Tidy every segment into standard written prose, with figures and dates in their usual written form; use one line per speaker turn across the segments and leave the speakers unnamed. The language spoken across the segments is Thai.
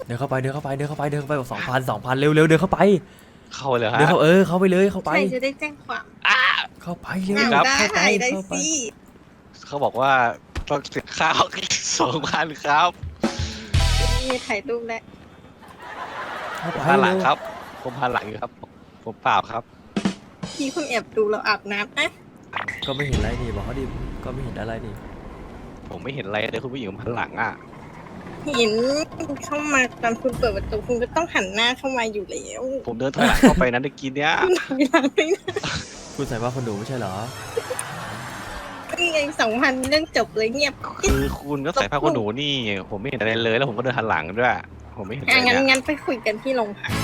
เดินเข้าไปบอก2,000เร็วเดินเข้าไป
เข้าเลยฮะ
เดินเข้าเข้าไปเลยเข้าไป
ใครจะได้แจ้งความ
เข้าไปเร็ว
เอา
เข้าไป
ได้
เข้าไป
สิ
เขาบอกว่าต้องเสียข้าว 2,000ครับ
มีถ่ายรูปแล้ว
เข้าไป
ผ่านหลัง
เร็ว
ครับ ผมผ่านหลังอยู่ครับ ผมเปล่าครับ
พี่คุณแอบดูเราอาบน้ำนะ
ก็ไม่เห็นอะไรนี่บอกเขาดิก็ไม่เห็นอะไรนี่
ผมไม่เห็นอะไรเลยคุณผู้หญิงผ่านหลังอ่ะ
เห็นเข้ามาตอนคุณเปิดประตูคุณก็ต้องหันหน้าเข้ามาอยู่แล้ว
ผมเดินถอยหลังเข้าไปนั้นเมื่อกี้เนี้ย
เวลาไม่นะ
คุณใส่ว่าคนดูไม่ใช่เหรอ
นี่ไง2,000เรื่องจบเลยเงียบ
คือคุณก็ใส่ผ้าขนหนูนี่ ผมไม่เห็นอะไรเลย แล้วผมก็เดินหันหลังด้วย ผมไม่เห็นอะไร
งั้น
เนี่ย
งั้นไปคุยกันที่โรงพัก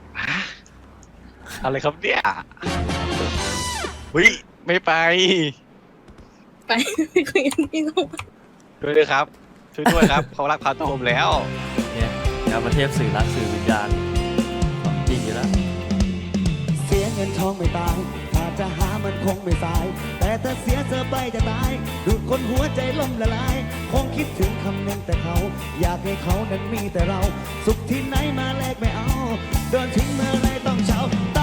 อะไรครับเนี่ยเฮ้ยไม่ไป
ไปคุยกันที่โรงพัก
ช่วยด้วยครับ ช่วยด้วยครับ เขารักพาตัวผมแล้ว
เนี่ยยามาเทพสื่อรักสื่อวิญญาณของจริงอยู่แล้ว
เสียเงินทองไม่ตาย ถ้าจะหามันคงไม่สาย แต่ถ้าเสียเธอไปจะตายดูดคนหัวใจล่มละลาย คงคิดถึงคำนึงแต่เขา อยากให้เขานั้นมีแต่เรา สุขที่ไหนมาแลกไม่เอา โดนทิ้งเมื่อไรต้องเช้า